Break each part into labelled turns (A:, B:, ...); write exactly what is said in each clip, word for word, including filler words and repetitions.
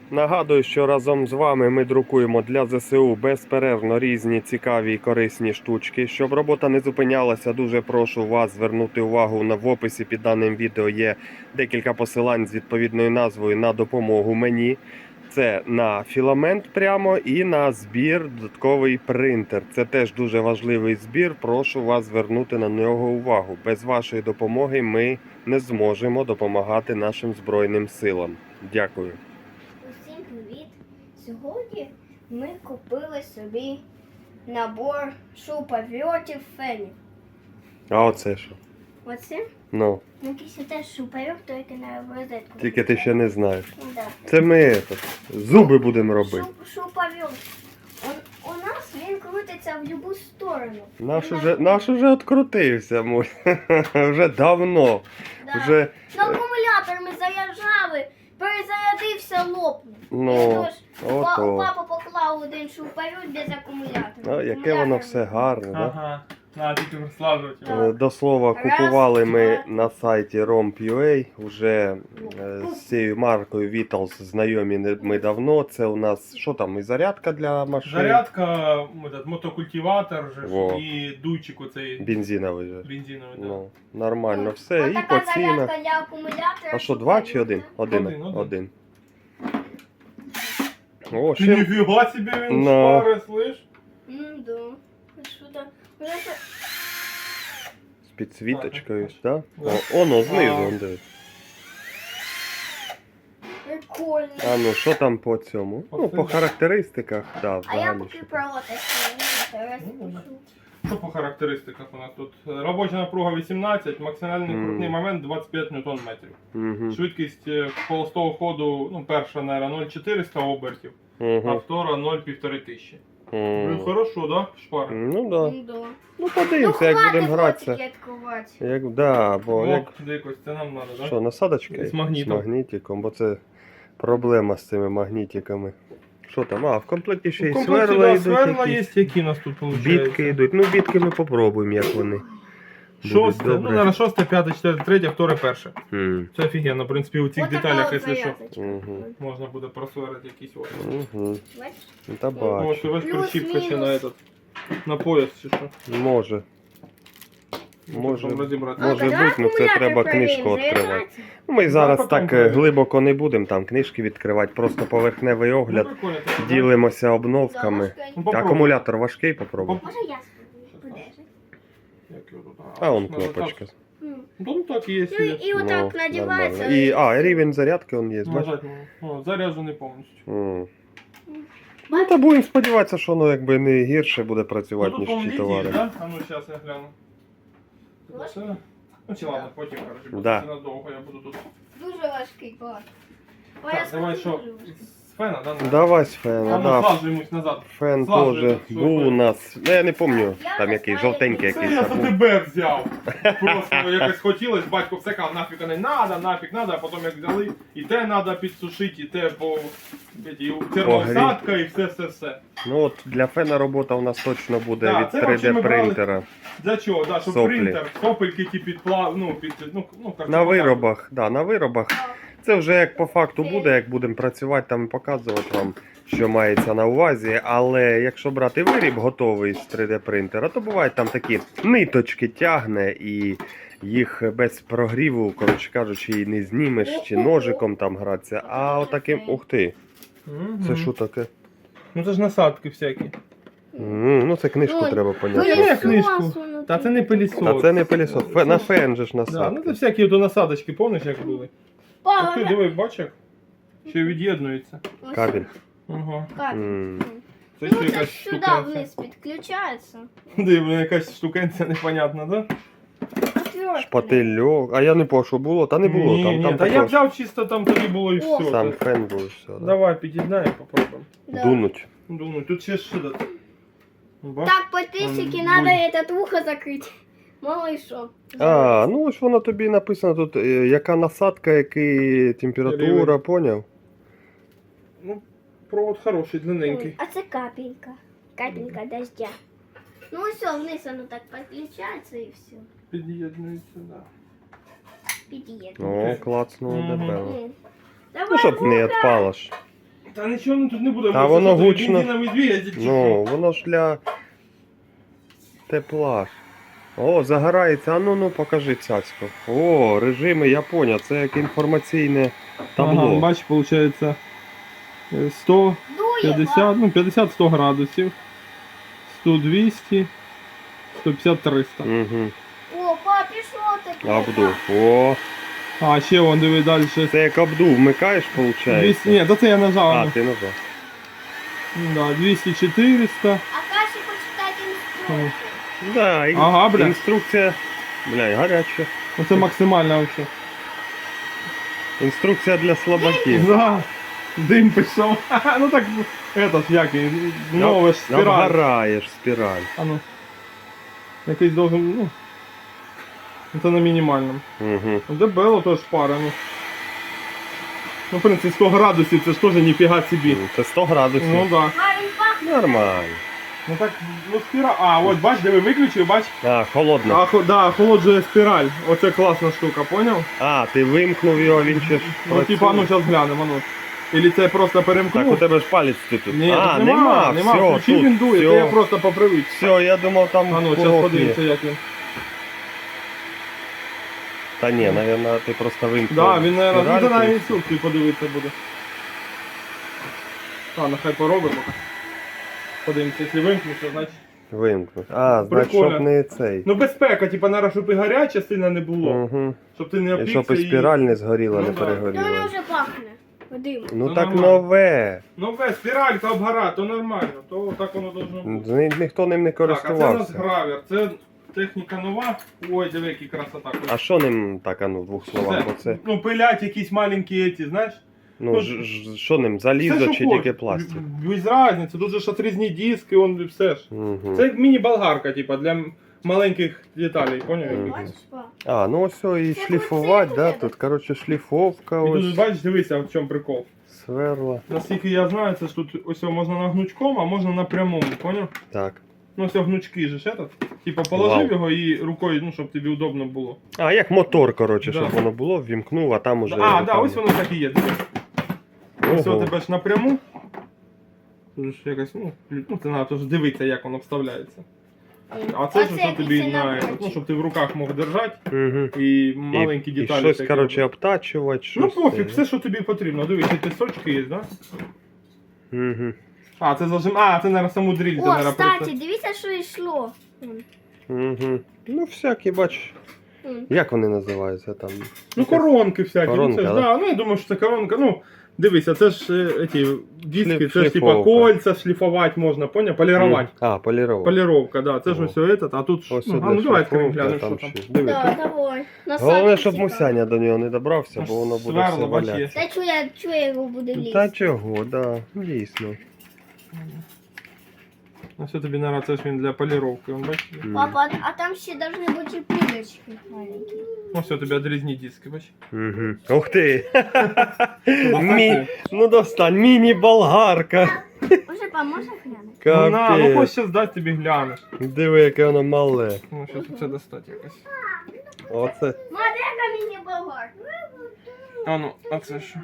A: Нагадую, що разом з вами ми друкуємо для зе се у безперервно різні цікаві і корисні штучки. Щоб робота не зупинялася, дуже прошу вас звернути увагу, на в описі під даним відео є декілька посилань з відповідною назвою на допомогу мені. Це на філамент прямо і на збір додатковий принтер. Це теж дуже важливий збір, прошу вас звернути на нього увагу. Без вашої допомоги ми не зможемо допомагати нашим Збройним силам. Дякую.
B: Усім привіт! Сьогодні ми купили собі набор шуруповертів фенів.
A: А оце що?
B: Оце
A: Ну,
B: якийсь теж шуруповерт, тільки на розетку.
A: тільки ти ще не знаєш.
B: Ну, да.
A: Це ми этот, зуби будемо робити.
B: Шуп, шуруповерт. У, у нас він крутиться в будь-яку сторону.
A: Наш
B: Він
A: уже, наш уже відкрутився, мой. Вже давно.
B: Да.
A: Вже,
B: На акумулятор ми заряджали, перезарядився, лопнув.
A: ну,
B: Тож, па-
A: ото.
B: папа поклав один шуруповерт без акумулятора.
A: А, яке воно все гарне, да?
C: Ага, на тільки розслаблювати
B: Так.
C: його.
A: Е, До слова,
B: Раз,
A: купували ми
B: два.
A: на сайті ром точка ю а. Вже е, з цією маркою Vitals знайомі не- ми давно. Це у нас, що там, і зарядка для машин?
C: Зарядка, этот, мотокультиватор же, ж,
A: Во.
C: і дуйчик оцей
A: Бензиновий же.
C: бензиновий. Да.
A: Ну, нормально все.
B: Ось
A: І
B: така
A: по цінах.
B: зарядка для акумулятора.
A: А що, два чи один? Один.
C: Один, один.
A: Один. О,
C: Ти
A: ще
C: ніфіга собі він
A: Ну.
C: шпари, слиш?
B: Ну да. Що там? Вже це-
A: з підсвіточкою,
C: Так,
A: так?
C: Да.
A: О, оно знизу,
C: А.
A: он дивись.
B: Прикольно.
A: А ну, що там по цьому?
C: По
A: Ну, по
C: цим.
A: характеристиках, так,
B: А я
A: взагалі.
B: поки
A: що там.
B: про те,
C: Ну, да. Що по характеристиках у нас тут? Робоча напруга вісімнадцять, максимальний
A: Мгм.
C: крутний момент двадцять п'ять ньютон метрів.
A: Мгм.
C: Швидкість е, холостого ходу, ну, перша, наверное, нуль цілих чотириста обертів, а
A: Мгм.
C: втора нуль цілих півтори тисячі.
A: Мгм.
C: Ну, хорошо, да, шпари?
A: Ну да.
B: Ну, да.
A: Ну
B: Ну,
A: подивимося, як будемо
B: хватить
A: гратися.
B: ротики відкривати.
A: Як, да, бо
C: О,
A: як.
C: дикось, це нам надо, да?
A: Що, насадочка?
C: З магнітом.
A: З магнітиком, бо це проблема з цими магнітиками. Що там? А, в комплекті ще й
C: В комплекті,
A: сверла
C: да,
A: йдуть.
C: сверла
A: якісь.
C: є, які у нас тут виходить.
A: Бітки йдуть. Ну, бітки ми попробуємо, як вони.
C: Шосте,
A: Будуть
C: ну,
A: добре.
C: зараз шосте, п'яте, четверте, третє, вторе, перше.
A: М.
C: Це офігенно, в принципі, у цих
B: От така
C: деталях,
B: от
C: якщо що,
B: зав'язочка.
A: Мгм.
C: можна буде просверити якісь ось.
A: Угу.
B: Бачиш?
A: Та
C: Ось,
A: бачу.
C: ось
B: Плюс-мінус.
C: прищіпка ще на этот, на пояс чи що.
A: Може. Може,
C: Щоб розібрати.
A: може
B: А,
A: бути, ну це
B: акумулятор
A: треба
B: перевіримо,
A: книжку відкривати.
B: заряджається?
A: Ну, Ми зараз
C: потім
A: так е,
C: перевіримо.
A: глибоко не будемо там книжки відкривати, просто поверхневий
C: Ну,
A: огляд.
C: прикольно, так, да?
A: Ділимося обновками.
B: Да,
C: Ну, попробуй.
A: Акумулятор важкий, попробуй.
B: Може я спробую? Подержи.
C: Як його тут?
A: А он
C: надо
A: кнопочка.
C: так.
B: М.
C: Ну, ну так є.
B: Ну, і, і отак
A: Ну,
B: надівається.
A: нормально. І, а, рівень зарядки он є, бачиш?
C: Нажать, ну, о, заряджений повністю.
A: М. Ну, та будемо сподіватися, що воно якби не гірше буде працювати,
C: Ну, тут,
A: ніж
C: по-моєму,
A: ті
C: літій,
A: товари.
C: да? А ну, зараз я гляну. Це
B: Важкий?
C: все? Ну, чи ладно, потім, коротше, бо
A: Да.
C: це надовго я буду тут.
B: Дуже важкий клас. Ой,
C: Так,
B: я
C: давай
B: скажу,
C: що?
B: дуже важкий.
C: З фена, да? ну?
A: Давай з фена,
C: А ну,
A: да.
C: слажуємось назад.
A: Фен
C: Слажу,
A: теж
C: що
A: був у
C: фен?
A: нас. Ну я не пам'ятаю,
B: Я
A: там
B: не
A: який
B: знаю,
A: жовтенький
C: Це
A: якийсь
C: я
A: там
C: за
A: був.
C: тебе взяв. Просто якось хотілось, батько все казав, нафіг не надо, нафіг надо, а потім як взяли, і те треба підсушити, і те по і термоусадка, і все, все, все.
A: Ну от для фена робота у нас точно буде
C: Да,
A: від
C: це
A: три
C: взагалі
A: Д
C: ми брали-
A: принтера.
C: Для чого? Да, щоб
A: Соплі.
C: принтер, сопельки ті підплав, ну, під, ну, ну, як
A: На
C: це
A: виробах, да, на виробах. Це вже як по факту буде, як будемо працювати, там і показувати вам, що мається на увазі. Але якщо брати виріб готовий з три Д принтера, то бувають там такі ниточки тягне і їх без прогріву, коротше кажучи, і не знімеш, чи ножиком там гратися. А отаким, ух ти,
C: Мгм.
A: це що таке?
C: Ну це ж насадки всякі.
A: М, Ну це книжку
B: Ой,
A: треба
C: Ну,
A: поняти.
C: я
B: Пилісос
C: книжку.
B: внутрі
C: Та це не
B: такий.
C: пилісос.
A: Та це не пилісос, фе- на фен же ж
C: Да, ну це
A: насадки.
C: всякі ото насадочки, помниш, як були?
B: Папа,
C: Ух ти, диви, бачиш, як? Ще від'єднується.
B: ось
A: Кабель.
C: Ага.
B: Кабель.
A: М.
C: Це
B: Ну,
C: ще
B: це
C: якась
B: сюди
C: штукенця.
B: вниз підключається.
C: Диви, якась штукенця непонятна, да?
B: Отвертка.
A: Шпательок. А я не по що було, та не було.
C: Ні,
A: там,
C: ні,
A: там
C: та я
A: також
C: взяв чисто там тоді було і
B: О,
C: все.
A: сам
C: Та-
A: фен був і все. Да.
C: Давай під'єднаємо, попробуємо.
B: Да.
A: Дунуть.
C: Думаю, тут ще що дати. Бач?
B: Так, подписчики,
C: М,
B: надо
C: будь.
B: этот ухо закрыть. Мало и шо.
A: А, ну ось воно тобі написано тут, е, яка насадка, яка температура,
C: Рівень.
A: поняв?
C: Ну, провод хороший, длинненький.
B: А це капелька. Капелька дождя. Ну все, вниз оно так подключается и все.
C: Під'єднується, да.
B: Під'єднує.
A: О, клацнуло
C: Мгм.
A: дебело.
B: М. Давай
A: Ну, щоб не
B: вуха.
A: відпало ж.
C: Та нічого тут не буде.
A: Та
C: ми
A: воно
C: це що,
A: гучно.
C: бензиновий двигатель чи
A: Ну,
C: що?
A: воно ж для тепла. ж. О, загорається. А ну ну покажи цяцьку. О, режими, я поняв. Це як інформаційне табло.
C: Ага, бач, виходить сто
B: Дує,
C: п'ятдесят, ну п'ятдесят сто градусів. сто двісті, сто п'ятдесят триста.
A: Угу.
B: О, пап, пішло таке.
A: Обдув. О,
C: А, ще вон, диви далі.
A: це як обдув вмикаєш, виходить?
C: двісті, ні, то це я нажав.
A: А,
C: ну.
A: ти нажав.
C: Да, двісті чотириста.
B: А Каші почитати інструкцію.
A: Да, і...
C: Ага, бля.
A: інструкція. Бля, гаряча.
C: Оце максимально вообще.
A: Інструкція для слабаків.
C: Да. Дим пішов. Ну так, это ж як, він, нове ж спіраль.
A: Обгораєш спіраль.
C: А ну. Якийсь должен, ну. Це на мінімальному.
A: Угу.
C: Дебело теж пара, ну. Ну, в принципі, сто градусів, це ж теж ніфіга собі.
A: Це сто градусів.
C: Ну да.
B: А він пахне.
A: Нормально.
C: Ну так, ну спіраль. А, от бач, де ви виключив, бач.
A: А, холодно.
C: А, хо- да, охолоджує спіраль. Оце класна штука, поняв?
A: А, ти вимкнув його, він ще ж
C: Ну,
A: працює.
C: типа, ну зараз глянемо, ну. Ілі це просто перемкнув.
A: Так, у тебе ж палець ти тут.
C: Ні,
A: а,
C: тут нема, нема,
A: все,
C: включив,
A: тут,
C: він дує,
A: все.
C: це я просто по привичці.
A: Все, я думав там
C: А ну, зараз
A: курок є.
C: подивимося, як він.
A: Та ні, навіть ти просто вимкнув.
C: Да, він, наверное, ну,
A: спіральку.
C: це на інструкції подивитися буде. А, нехай поробимо. Подивимося, якщо вимкнеться, значить.
A: Вимкнув. А, значить,
C: Прикольно.
A: щоб не цей.
C: Ну безпека, типа, наразі, щоб і гаряче сильно не було.
A: Угу.
C: Щоб ти не
A: І
C: опікся
A: щоб і спіраль не згоріла,
C: Ну,
A: не
C: да.
B: То воно
A: перегоріла.
B: вже пахне. Вадим.
A: Ну
C: Ну,
A: так
C: нормально.
A: нове.
C: Ну без, спіралька обгора, то нормально, то так воно должно бути.
A: Ні- Ніхто ним не
C: Так, а це у нас
A: користувався.
C: гравер, це техніка нова. Ой, диви, який красота.
A: А що ним так, а ну, в двох словах,
C: Це,
A: оце?
C: Ну, пилять якісь маленькі ці, знаєш?
A: Ну,
C: ну,
A: ж- ж- що ним,
C: Все,
A: залізо
C: що
A: чи
C: хочеш.
A: тільки пластик?
C: Без різниці, тут же ж отрізні диски, он все ж.
A: Угу.
C: Це як міні-болгарка, типа, для м- маленьких деталей, поняв?
A: Мгм.
B: Бачиш, пап?
A: А, ну ось і
B: Це
A: шліфувати, да?
B: оце
A: Тут, коротше, шліфовка,
C: І тут,
A: ось,
C: бачиш, дивися, в чому прикол.
A: сверла.
C: Наскільки я знаю, це ж тут ось його можна на гнучком, а можна на прямому, поняв?
A: Так.
C: Ну ось гнучки же ж этот. Типа положив
A: Вау.
C: його і рукою, ну, щоб тобі удобно було.
A: А, як мотор, коротше,
C: Да.
A: щоб воно було, ввімкнув, а там уже...
C: А, да,
A: руками.
C: ось воно так і є. Дивись. Ось
A: Ого.
C: у тебе ж напряму. Тут ж якось, ну, ну це треба теж дивитися, як воно вставляється. А це ж що тобі на, ну, щоб ти в руках мог держати
A: Угу.
C: і маленькі
A: І, і
C: деталі.
A: щось,
C: такі.
A: коротше, обтачувати, щось.
C: Ну пофіг, все, що тобі потрібно. Дивись, ці сочки є, да?
A: Угу.
C: А, це зажим. А, це, наверное, саму дріль.
B: О,
C: наверное,
B: кстати,
C: просто.
B: дивіться, що йшло. Вон.
A: Угу. Ну, всякі, бач,
B: Вон.
A: як вони називаються там?
C: Ну, коронки всякі.
A: Коронка,
C: ну, це ж,
A: да?
C: да? Ну, я думаю, що це коронка. Ну, дивися, це ж е, ті, диски,
A: Шліф-
C: це ж типа
A: шліфовка.
C: кольця шліфувати можна, поняв? Полірувати.
A: А, полірова.
C: Поліровка, да. Це ж
A: О.
C: ось этот, а тут. ж-
A: Ось
C: ну,
A: сюди
C: а ну давай відкриємо,
A: шліфовка,
C: глянемо, що
A: там
C: там.
A: ще. Диви,
B: Да,
A: тут-
B: давай. На
A: Головне,
B: сайті
A: щоб
B: цікаво.
A: Мусяня до нього не добрався, бо воно буде
C: Сверло,
A: все
C: бач, є.
A: валятися.
B: Та чує, чує його буде
A: Ну,
B: лізти.
A: Та чого, да, дійсно.
C: Ну, все тобі, наверное, це ж він для поліровки, он бачиш?
A: М.
B: Папа, а там ще должны бути пилочки маленькі.
C: Ну, все, тобі одрізні диски, бачиш?
A: Угу. Ух ти!
C: Ну,
A: Мі...
C: достань.
A: Ну достань, міні-болгарка.
B: Може, поможе глянути?
C: Ну, на, ну
A: Капець.
C: хоч зараз дати тобі глянеш.
A: Диви, яке воно мале.
C: Ну, зараз це достати якось.
A: Оце.
B: Моделька міні-болгар.
C: А ну, а це що?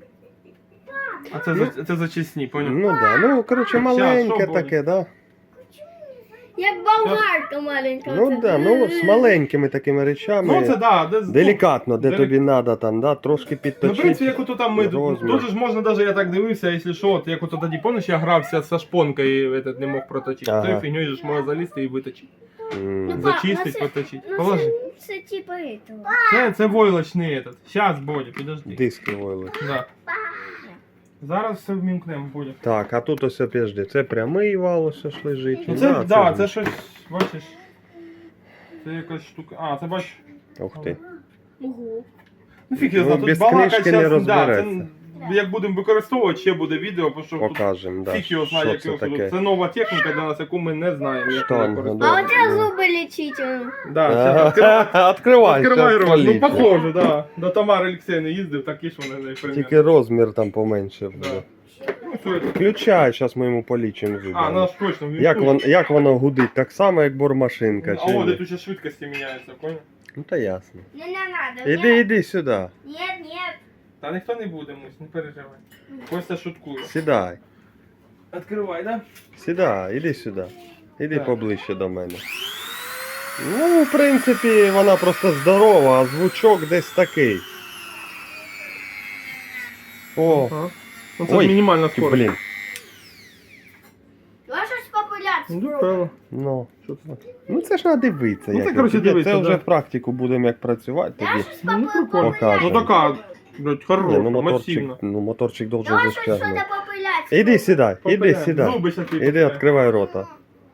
C: А це, за, це зачисні, поняв?
A: Ну да, ну коротше
C: Щас,
A: маленьке
C: що буде?
A: таке, да?
B: Як болгарка маленька.
A: Ну
B: оце.
A: да, ну з маленькими такими речами.
C: Ну, це да, де,
A: Делікатно, де
C: Делі-
A: тобі треба там, да, трошки
C: Ну, в
A: підточити.
C: принципі, як ото там ми,
A: розмір.
C: тут же ж можна даже, я так дивився, якщо що, от як ото тоді, помниш, я грався з шпонкою, этот, не мог проточити.
A: Ага.
C: Тою фігньою ж можна залізти і виточити.
A: М.
B: Ну, пап,
C: Зачистить,
B: ну, це-
C: поточити.
B: Ну,
C: Положи.
B: це, це типа этого.
C: Це, це войлочний этот. Щас, Бодя, підожди.
A: Диски войли.
C: Да. Зараз все вмімкнемо, Бодя.
A: Так, а тут ось опежди. Це прямий вал, ось ж лежить.
C: Ну це, да, це,
A: ж-
C: щось, бачиш. Це якась штука. А, це бачиш.
A: Ух ти.
B: Ого.
C: Ну фіг я
A: Ну,
C: знаю,
A: без
C: тут балака
A: книжки не
C: щас, да,
A: розбереться.
C: це, як будемо використовувати, ще буде відео, бо що тут
A: Покажем, да.
C: фіг його знає,
A: Що
C: як
A: це
C: його
A: таке?
C: тут. Це нова техніка для нас, яку ми не знаємо, як
A: Штанга,
C: вона
A: да.
C: користується.
B: А оце зуби лічить. он.
C: Да, це відкривай.
A: Откривай,
C: Відкривай
A: щас
C: рот. Ну
A: полізе.
C: похоже, да. До Тамари Олексіївни їздив, такі ж вони не примірно.
A: Тільки розмір там поменше буде.
C: Да. Ну, що це?
A: Включай, зараз ми йому полічимо зуби.
C: А, ну ж точно.
A: Як, вон, як воно гудить? Так само, як бормашинка,
C: А
A: чи
C: о, де
A: ні?
C: тут ще швидкості міняються, понял?
A: Ну та ясно.
B: Не, не надо.
A: Іди, іди сюди.
B: Нет, нет.
C: Та ніхто не буде, Мусь, не переживай. Костя шуткує.
A: Сідай,
C: Відкривай, да?
A: сідай, іди сюди. Іди
C: Так.
A: поближче до мене. Ну, в принципі, вона просто здорова, а звучок десь такий. О,
C: Ага. Ну, це
A: ой,
C: мінімальна скорость.
A: блін.
B: Можеш популяцію?
C: Ну, певно.
A: Ну,
C: Що це таке?
A: ну це ж треба дивитися.
C: Ну,
A: як
C: це,
A: я
C: коротше,
A: тобі-
C: дивитися,
A: Це вже
C: да.
A: в практику будемо як працювати
B: Я
A: тоді.
B: щось
C: Ну, прикольно.
B: популяцію.
C: Ну така, блядь, хороша,
A: Ні, ну моторчик,
C: масивна.
A: ну моторчик должен
B: Давай щось
A: зашкернути.
B: сюди популяцію.
A: Іди сідай, іди
C: Попеляй.
A: сідай.
C: Зуби ще ти
A: Іди,
C: попеляй.
A: відкривай рота.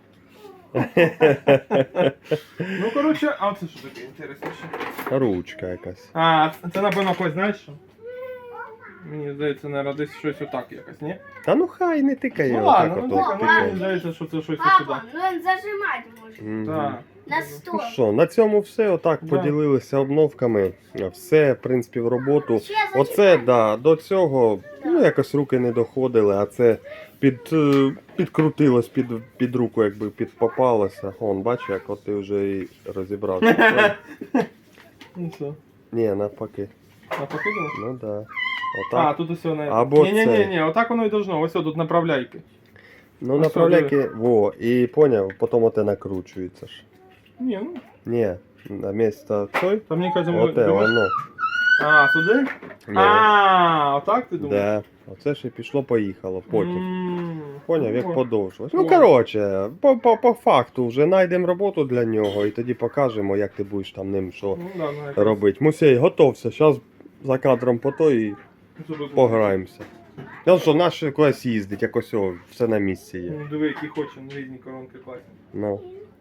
C: Ну, коротше, а це що таке інтересніше?
A: Ручка якась.
C: А, це напевно когось, знаєш що? Мені здається, наверное, десь щось отак якось, ні?
A: Та ну хай не тикає.
C: Ну
A: отак
C: ладно, ну
A: ото,
C: так, ну,
A: тикає.
C: мені здається, що це щось сюди.
B: Папа, ну він зажимати може.
A: Мгм.
C: Так.
B: На
A: Ну
B: сто.
A: що, на цьому все. Отак
C: Да.
A: поділилися обновками. Все, в принципі, в роботу.
B: Ще
A: Оце,
B: зачекай.
A: да, до цього, ну якось руки не доходили, а це під, е, підкрутилось під, під руку, якби під попалося. Он, бачиш, як от ти вже і розібрався.
C: Ну що,
A: Ні, навпаки.
C: а покидало?
A: Ну да.
C: А,
A: Отак.
C: тут усе не.
A: Або
C: ні, ні,
A: це.
C: ні, ні, отак воно і должно. Ось тут направляйки.
A: Ну
C: а
A: направляйки, во, і поняв, потім оте накручується ж.
C: Ні, ну,
A: Ні, на місце той,
C: там мені кажуть, ми-
A: оте,
C: думаєш-
A: воно.
C: А, сюди?
A: Ні.
C: А, отак ти думаєш?
A: Да. Оце ж і пішло-поїхало потім.
C: М,
A: Поняв, як
C: о,
A: подовжилось.
C: О.
A: Ну, коротше, по, по, по факту вже знайдемо роботу для нього і тоді покажемо, як ти будеш там ним що
C: Ну, да, ну, якось
A: робити. Мусей, готовся, зараз за кадром по то і
C: зуби
A: пограємося. Ну що, наш кудись їздить, якось о, все на місці є.
C: Ну, диви, які хочемо, різні коронки класні.
A: Ну.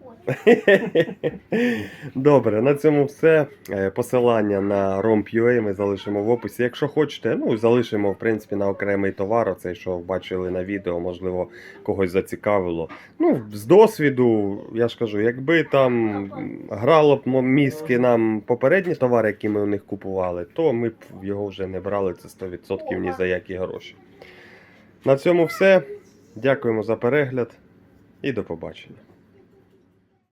A: Добре, на цьому все. Е, Посилання на rom.ua ми залишимо в описі. Якщо хочете, ну залишимо в принципі на окремий товар, оцей, що бачили на відео, можливо, когось зацікавило. Ну, з досвіду, я ж кажу, якби там м, грало б мо- мізки нам попередні товари, які ми у них купували, то ми б його вже не брали, це сто відсотків ні за які гроші. На цьому все. Дякуємо за перегляд і до побачення.